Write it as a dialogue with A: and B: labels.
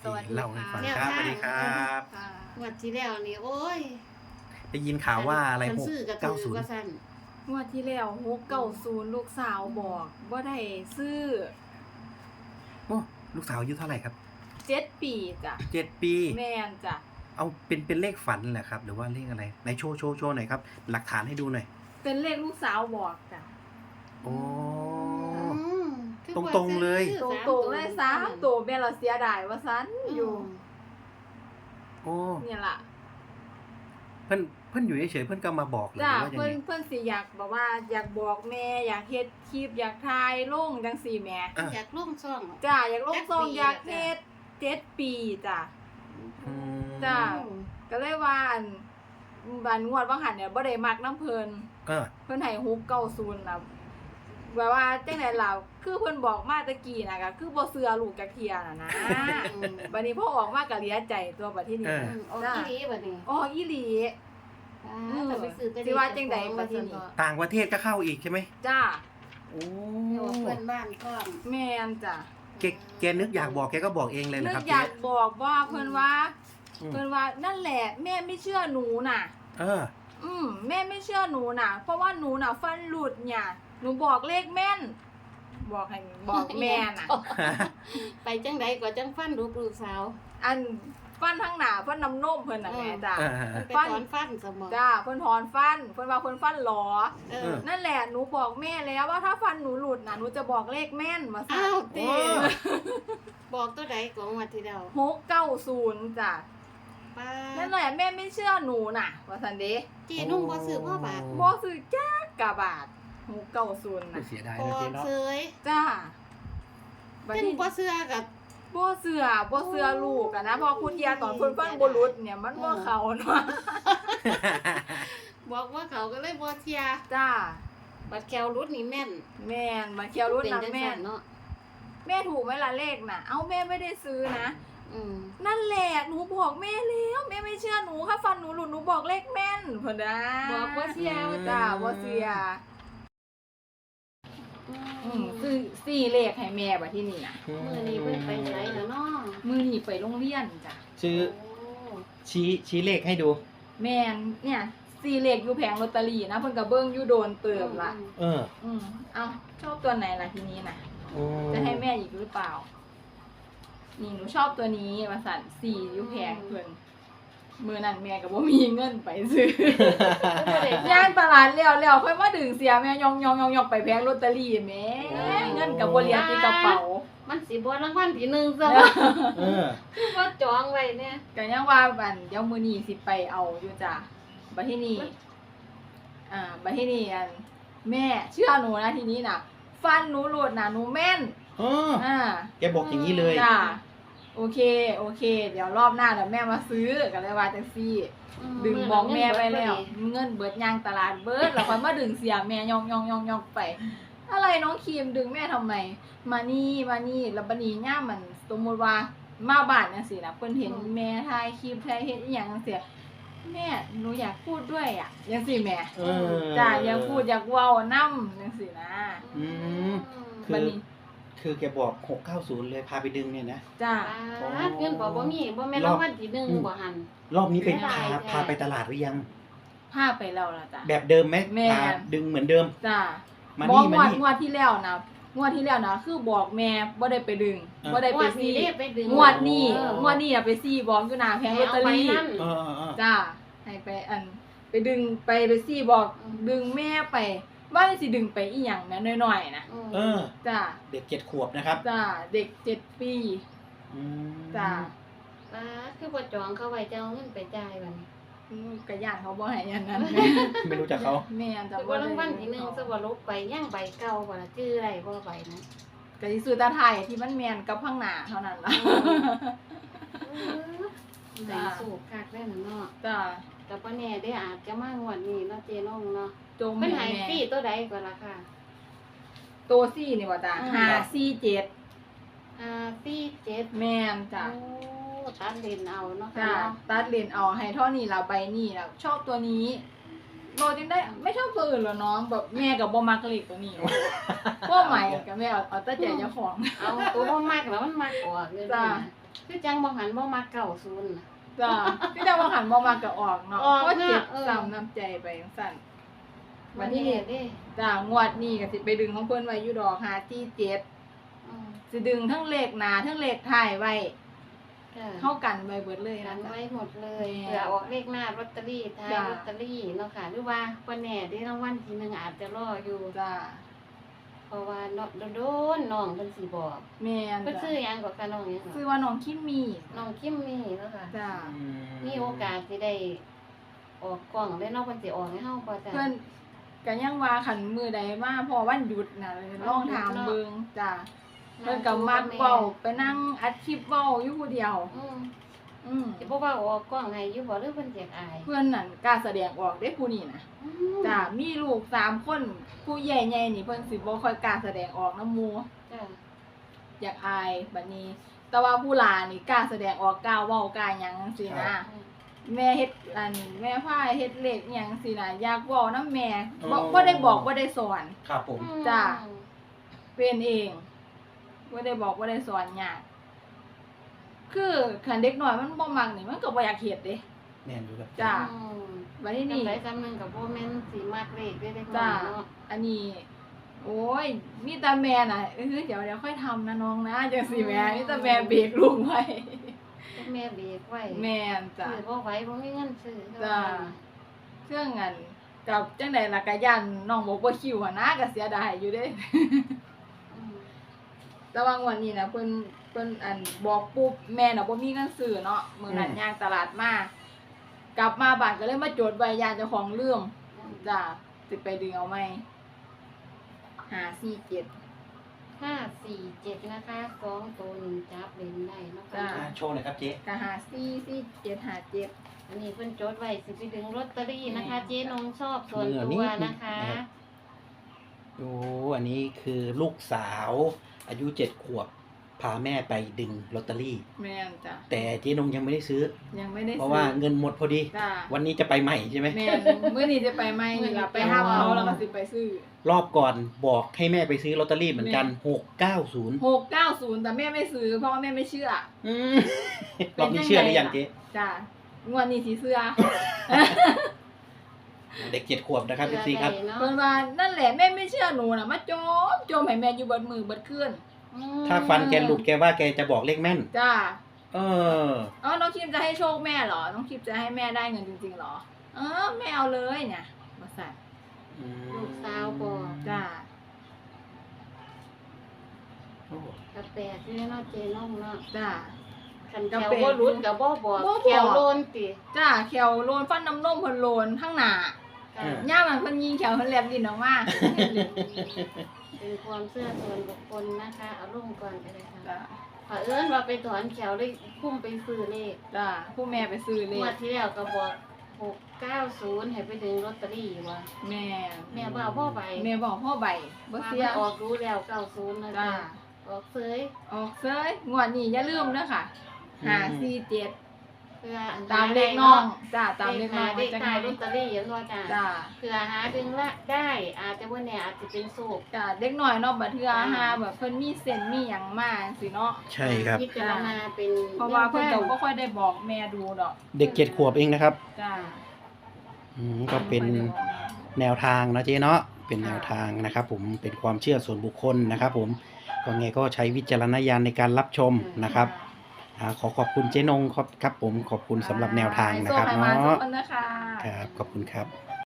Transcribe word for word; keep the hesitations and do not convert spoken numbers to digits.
A: สวัสดี
B: เล่าให้ฟัง
A: ค่ะ
B: ครับสวัสดีครับ
A: ค่ะ
C: งวดที่แล้วนี่โอ้ย
B: ได้ยินข่าวว่าอะไร
C: คัน
B: หก
C: ซื้อกระ
B: เก้า
C: ถื
B: ศู
C: อน
B: ย์
C: ว่าซั่น
A: งวดที่แล้วหกเก้าศูนย์ลูกสาวบอกว่าได้ซื้อ
B: โอ้ลูกสาวอายุเท่าไหร่ครับ
A: เจ็ดปีจ้ะ
B: เจ็ดปี
A: แม่นจ้ะ
B: เอาเป็นเป็นเลขฝันแหละครับ หรือว่าเลขอะไรไหนโชว์โชว์โชว์หน่อยครับ หลักฐานให้ดูหน่อย
A: เป็นเลขลูกสาวบอกจ้ะ
B: โอ้
C: อืมคือ
B: ตรงๆเลย
C: ซื้อ
A: ตรง
C: สาม
A: ตรงๆเลยสามตัวแม่เราเสียดายว่าซันอยู่
B: โอ้
A: เนี่ยล่ะ
B: เพื่อนเพื่อนอยู่เฉยๆเพื่อนก็มาบอกเลย
A: จ้ะ
B: ว่าอย่าง
A: เพิ่น
B: ไง
A: เพิ่นสิอยากบอกว่าอยากบอกแม่อยากเฮ็ดคลิปอยากถ่ายลงจังซี่แหม่
B: อ่ะ
C: อยากลงช่อง
A: จ้ะอยากลงซอง
C: จักปี
A: อยากเฮ็ดเจ็ดปีจ้ะ
B: อืม
A: จ้ะ ก็เลยว่าอันบันงวดบางหันเนี่ยบ่ได้มักน้ำเพิ่น
B: เออ
A: เพิ่นให้ฮุกเก้าศูนย์นะแบบว่าจังได๋ล่ะคือเพิ่นบอกมาตะกี้น่ะก็คือบ่เชื่อลูกจักเที่ยน่ะนะ
C: อืม
A: บัดนี้พอออกมาก็เหลียใจตัวบัดทีนี้
B: เออ
C: อืมออกอีหลีบัดนี้
A: อ๋ออีหลี
C: อ่า
A: อืม
C: แต่ไปซื้อแต่
A: สิว่าจังใดบัดนี้
B: ต่างประเทศก็เข้าอีกใช่ไหม
A: จ้า
B: โอ้
C: เดี๋ยวเพื่อนบ้านก็
A: แม่นจ้ะ
B: แกแกนึกอยากบอกแกก็บอกเองเลย
A: นึ
B: นะ
A: ก
B: ครับ
A: อยากบอกว่าเพิ่นว่า
B: อืม
A: เพิ่นว่านั่นแหละแม่ไม่เชื่อหนูน่ะ
B: เออ
A: อืมแม่ไม่เชื่อหนูน่ะ เพราะว่าหนูน่ะฟันหลุดเนี่ยหนูบอกเลขแม่น บอกให้บอกแม่น่ะ
C: ไปจังใดก็จังฟันลูกลูกสาว
A: อันฟันทั้งหน้าฟันน้ำนมเพิ่นน่ะแม่จ้ะ
B: เออเออเออ
C: ไปถอนฟันสมอง
A: จ้าเพิ่นถอนฟันเพิ่นว่าเพิ่นฟันหลอ
C: เอ
B: เอ
C: อ
B: อ
A: นั่นแหละหนูบอกแม่แล้วว่าถ้าฟันหนูหลุดน่ะหนูจะบอกเลขแม่นมาซะ
C: อ้าวติ
B: โอ้
C: บอกตัวใดของงวดที่แล้ว
A: หกเก้าศูนย์จ้ะ
C: ป้า
A: นั่นแหละแม่ไม่เชื่อหนูน่ะว่าซั่นเด้
C: เจนุ่งบ่ซื้อพ่อบาท
A: บ่ซื้อจักกะบาทหกเก้าศูนย์น่ะ
B: เสียดาย
C: พอ
B: นะเจ๊เนาะ
C: เซย
A: จ้าบัด
C: เจ้น
A: นี้
C: บ่เสื้อกับ
A: บ่เชื่อบ่เชื่อลูกอะนะเพอคุณเทียตอนเพิ่นฟันบ่หลุดเนี่ยมันบ่เข้าเนาะ
C: บอกว่าเขาก็เลยบ่เทีย
A: จ้า
C: บัดแควรุดนี่แม่น
A: แม่นมาเคียวรุ่น
C: เป็น
A: น่ะ
C: จัง
A: แม่
C: ซั่
A: น
C: นเนาะ
A: แม่ถูกไหมล่ะเลขน่ะเอ้าแม่ไม่ได้ซื้อนะ
C: อืม
A: นั่นแหละหนูบอกแม่แล้วแม่ไม่เชื่อหนูค่ะฟันหนูหลุดหนูบอกเลขแม่นเพิ่นนะ
C: บอกว่าเสีย
B: อืม
A: จ้าบ่เสีย
C: อื
A: อื
C: ม
A: มซื้อสี่เลขให้แม่บัดที่นี่น่ะ
C: มื้อนี้เพิ่นไปไสแล้วเนาะ
A: มื้อนี้ไปโรงเรียนจ้ะ
B: ชื่อ
C: โอ้
B: ชี้ชี้เลขให้ดู
A: แม่นเนี่ยสี่เลขอยู่แผงลอตเตอรี่นะเพิ่นก็เบิ่งอยู่โดนเติมละ
B: เออ
A: อืมเอ้าชอบตัวไหนล่ะทีนี้น่ะ
B: โอ้
A: จะให้แม่อีกหรือเปล่า นี่หนูชอบตัวนี้มาสั่นสี่อยู่แพงเพิ่นมือนั่นแม่ก็บ่มีเงินไปซื้อย่าง ตลาดแล้วแล้วค่อยมาดึงเสียแม่ยองยองยองยองไปแพงลอตเตอรี่แม่เงินก็บ่เหลือที่กระเป๋า
C: มันสิบ่รางวัลที่หนึ่งซะ
B: เออ
C: คือว่าจองไว้เนี่ย
A: ก็ยังว่าบันเดี๋ยวมื้อนี้สิไปเอาอยู่จ้ะบัดทีนี้อ่าบัดทีนี้อันแม่เชื่อหนูนะทีนี้น่ะ ฟันหนูหลุดน่ะหนูแม่น
B: เออ
A: อ่า
B: แกบอกอย่างนี้เลย
A: จ้าโอเคโอเค เดี๋ยวรอบหน้าเดี๋ยวแม่มาซื้อกันเลยว่าจังซี่ ดึงบอกแม่ไปแล้ว เงินเบิดยางตลาดเบิดแล้วค่อยมาดึงเสียแม่ยองยองยองยองไป อะไรน้องครีมดึงแม่ทำไม มานี่มานี่แล้วบัดนี้ย่ามมันสมมุติว่ามาบ้านจังซี่นะเพิ่นเห็นแม่ถ่ายคลิปถ่ายเฮ็ดอีหยังจังซี่แม่หนูอยากพูดด้วยอ่ะจังซี่แม่
B: เออ
A: จ้าอยากพูดอยากเว้านำจังซี่นะ
B: อืม คื
A: บัด
B: อ
A: นี้
B: คือแกบอกหกเก้าศูนย์เลยพาไปดึงเนี่ยนะ
A: จ้า
C: ป้าเงินบ่บ่มีบ่แม่นรางวัลที่หนึ่งบ่หัน
B: รอบนี้ไป
C: ไม่ได้
B: พา
C: แท้
B: พาไปตลาดหรือยัง
A: พาไปแล้วล่ะจ้ะ
B: แบบเดิมไหม
A: แม่
B: พาดึงเหมือนเดิม
A: จ้า
B: มา
A: บอก
B: นี่
A: ง
B: มาว
A: ด
B: นี่
A: งวดที่แล้วนะงวดที่แล้วนะคือบอกแม่บ่ได้ไปดึง
B: อ่า
A: บ่ได้
C: ง
A: ไป
C: วดนี้
A: ซี่
C: เด้ไปดึง
A: งวดนี้
C: เออง
A: วดนี้น่ะไปซี่บอกอยู่หน้าแผงลอตเตอรี่
C: ให้าไปนั่น
B: เออเออเออ
A: จ้าให้ไปอัน ไปดึงไปไปซี่บอก
C: อืม
A: ดึงแม่ไป ว่าสิดึงไปอีหยังแม่น้อยๆนะ
B: เออ
A: จ้า
B: เด็กเจ็ดขวบนะครับ
A: จ้าเด็กเจ็ดปี
B: อืม
A: จ้า
C: ป้าคือบ่จองเขาไว้จะเอาเงินไปจ่ายบัดนี้
A: อืมก็ย่านเขาบ่ให้อย่างนั้นแม่
B: ไม่รู้จักเขา
A: แม่จะ
C: คือบ่รางวัลที่หนึ่งซะบ่ลบไปย่างใบเก่าบ่ล่ะชื่ออะไรบ่ใบนะ
A: ก็สิซื้อตาไทยที่มันแม่นกับข้างหน้าเท่านั้นล่ะ
C: ใจสูบคักได้นั่นเนาะ
A: จ้า
C: แต่บ่แน่ได้อาจจะมางวดนี้เนาะเจน้องเนาะ
A: จง
C: เพิ่น
A: ให้
C: ให้
A: แม่
C: ฟรีตัวใดก่อนล่ะค่ะ
A: ตัวซี่นี่ว่าจ้า
C: อืม
A: ห้าสี่เจ็ด
C: ห้าสี่เจ็ด
A: แม่นจ้ะ
C: โอ้ตัดเลนเอาเนาะ
A: จ้ะ
C: ค่ะเนาะ
A: ตัดเลนเอาให้เท่านี้เราใบนี่แล้วชอบตัวนี้โรจึงได้ไม่ชอบตัวอื่นเหรอน้องแบบแม่กับบ่มักเลขตัวนี้ ก็ใหม่กับแม่เอาเอาแต่ใจเจ้าของ
C: เอาตัวบ่มากแล้วมันมากกว่าเงิน
A: จ้ะ
C: นะคือจังบ่หันบ่มาเก้าศูนย์น่ะ
A: จ้าพี่ดาวหันบ่มาก็ออกเนาะ
C: ออก
A: เพราะเจ็บ
C: เนอะเออ
A: ซ้ำน้ำใจไปจังซั่น
C: วั
A: วัน น
C: นี้
A: นี้
C: เด้
A: จ้างวดนี้ก็สิไปดึงของเพิ่นไว้อยู่ดอกหาที่เจ็ด
C: อืม
A: สิดึงทั้งเลขหน้าทั้งเลขท้ายไว้
C: จ้ะ
A: เข้ากันไว้เบิดเลย
C: กั
A: นะ
C: น
A: จ๊ะ
C: ไว้หมดเลย
A: แม่
C: เผื่อออกเลขหน้าลอตเตอรี่ท้าย
A: จ้ะ
C: ลอตเตอรี่เนาะค่ะหรือว่าวันแหน่ได้รางวัลทีหนึงอาจจะรออยู่
A: จ้า
C: เพราะว่าเนาะโดนๆน้องเพิ่นสิบอก
A: แม่น
C: เพิ่น
A: จ้ะ
C: ชื่อหยังก็ค่ะน้องหยัง
A: ชื่อ
C: ก็
A: ว่าน้องคิมมี่
C: น้องคิมมี่เนาะค่ะ
A: จ้า
C: มีโอกาสสิได้ออกกล้องได้เนาะเพิ่นสิออกให้เฮาบ่จ้ะ
A: เพิ่นก็ยังว่าคันมื้อใดมาพอวันหยุดน่ะลองถามเบิ่งจ้าเพิ่นก็มักเว้าไปนั่งอัดคลิปเว้าอยู่ผู้เดียว
C: อืม
A: อืม
C: สิบ่ว่าออกกล้องให้อยู่บ่หรือเพิ่นอยากอาย
A: เพื่อนนั่นกล้าแสดงออกได้ผู้นี้นะ
C: อืม
A: จ้ามีลูกสามคนผู้ใหญ่ใหญ่นี่เพิ่นสิบ่ค่อยกล้าแสดงออกน้ำหมู่
C: จ้ะ
A: อยากอายบัดนี้ แต่ว่าผู้หลานนี่กล้าแสดงออกกล้าเว้ากล้าหยังจังซี่นะแม่เฮ็ดอันแม่พาเฮ็ดเลขอิหยังจังซี่นะอยากเว้านำแม่บ่บ่ได้บอกบ่ได้สอน
B: ครับผม
A: จ้ะ เป็นเองบ่ได้บอกบ่ได้สอนยากคือคันเด็กน้อยมันบ่มักนี่มันก็บ่อยากเฮ็ดเด้
B: แม่นอยู่ครับ
A: จ้า
C: อืม
A: บัดนี้
C: นี่
A: นี่
C: ไปซ้ำหนึงกับบ่แม่นสิมักเลขได้เด็กน้
A: จ้า
C: อยเนาะ
A: อันนี้ โอ้ย มีแต่แม่น่ะเออเดี๋ยวเดี๋ยวค่อยทำนะน้องนะจังสิแม่มีแต่แม่เบรกลุงไว้
C: แม่เบรกไว้
A: แม่นจ้ะ
C: ซื้อบ่ไหวบ่มีเงินซื้อ
A: จ้ะ เครื่องอันกับจังใดล่ะก็ยันน้องบอกบ่คิวอะนะก็เสียดายอยู่เด้
C: อืม
A: แต่ว่างวดนี้นะเพิ่นเพิ่นอันบอกปุ๊บแม่น่ะบ่มีเงินซื้อเนาะมื้อนั้นย่างตลาดมากลับมาบ้านก็เลยมาจดไว้ยานเจ้าของลืมจ้ะสิไปดึงเอาใหม่ห้า สี่ เจ็ด
C: ห้าสี่เจ็ดนะคะสองตัวหนึ่งจับเล่นได้เนาะ
A: จ้ะ
C: ค่ะ
B: อ่าโชว์หน่อยครับเจ๊
A: ก็ห้า สี่ สี่ เจ็ด ห้า เจ็ด
C: อันนี้เพิ่นจดไว้สิไปดึงลอตเตอรี่นะคะ
A: แม่
C: เจ๊นงชอบส่วนตัวนะคะ
B: โอ้อันนี้คือลูกสาว อายุเจ็ดขวบ พาแม่ไปดึงลอตเตอรี่
A: แม่นจ้ะ
B: แต่เจ๊นงยังไม่ได้ซื้อ
A: ยังไม่ได้
B: เพราะว่าเงินหมดพอดี
A: จ้ะ
B: วันนี้จะไปใหม่ใช่ไหม
A: แม่นมื้อนี้จะไปไหมนี่ล่ะไปห้ามเขาแล้วก็สิไปซื้อ
B: รอบก่อนบอกให้แม่ไปซื้อลอตเตอรี่เหมือนกันหกเก้าศูนย์
A: หกเก้าศูนย์แต่แม่ไม่ซื้อเพราะว่าแม่ไม่เชื่อ
B: รอบนี้เชื่อหรือยังเจ๊
A: จ้ะงวดนี้สิเชื่อ
B: เด็กเจ็ดขวบนะครับพี่ซีครับ
C: เนาะ
A: เพิ่นว่านั่นแหละแม่ไม่เชื่อหนูน่ะมาโจมโจมให้แม่อยู่เบิดมือเบิดคืน
C: อืม
B: ถ้าฟันแกหลุดแกว่าแกจะบอกเลขแม่น
A: จ้า
B: เออ
A: เอ๋อน้องคิมจะให้โชคแม่เหรอน้องคิมจะให้แม่ได้เงินจริงๆเหรอเออแม่เอาเลยเนี่ยบ่สั่น
C: ลูกสาวบอก
A: จ้า
B: โอ้
C: กระแปดนี่เนาะเจ๊นงเนาะ
A: จ้า
C: คันแถวบ่รุดก็บ่บอก
A: บ่บอก
C: แถวโลนติ
A: จ้าแขวโลนฟันน้ำนมเพิ่นโลนข้างหน้า
C: ค่ะ
A: ย่ามันเพิ่นยิงแขวเพิ่นแลบลิ้นออกมา
C: เป็นความเชื่อส่วนบุคคลนะคะ เอาลงก่อนก็ได้ค่ะ
A: จ้า
C: เผอิญว่าไปถอนแขวเลยพุ่มไปซื้อเลข
A: จ้าผู้แม่ไปซื้อเล
C: งว
A: ข
C: ดที่แล้วก็บอกหกเก้าศูนย์ให้ไปดึงลอตเตอรี่ว่ะ
A: แม่
C: แม่บ่เอาพ่อใบ
A: แม่บอกพ่อใบบ่
C: ว่า
A: เสี
C: มั
A: ย
C: นออกรู้แล้วเก้าศูนย์นะ
A: จ้า
C: จ๊ะออกเซย
A: ออกเซยงวดนี้อย่าลืมเด้อค่ะห้า สี่ เจ็ด
C: เพื่ออัน
A: ตามเลขน้องจ้าตามเลขน้อง
C: เลข
A: จัง
C: ท้ายล
A: ได๋
C: อตเตอรี่เห็นบ่จ้า
A: จ้า
C: เพื่อหาดึงละได้อาจจะว่าเนี่ยอาจจะเป็นโศก
A: จ้าเด็กน้อยเนาะบัดเทื่อหาแบบเพิ่นมีเส้นมีหยังมาจังซี่เนาะ
B: ใช่ครับ
C: พิจารณาเป็น
A: เพราะว่าเพิ่นก็บ่ค่อยได้บอกแม่ดูดอก
B: เด็กเจ็ดขวบเองนะครับ
A: จ้า
B: อืมก็เป็น
A: บ่ค่อยได้บอกแม่
B: แนวทางนะเจ๊เนาะเป็นแนวทางนะครับผมเป็นความเชื่อส่วนบุคคลนะครับผมก็ไงก็ใช้วิจารณญาณในการรับชมนะครับอ่าขอขอบคุณเจ๊นงครับครับผมขอบคุณสำหรับแนวทางนะครับ
A: ให้โชคให้มาทุก
B: เนาะ
A: คนนะคะ
B: ครับขอบคุณครับ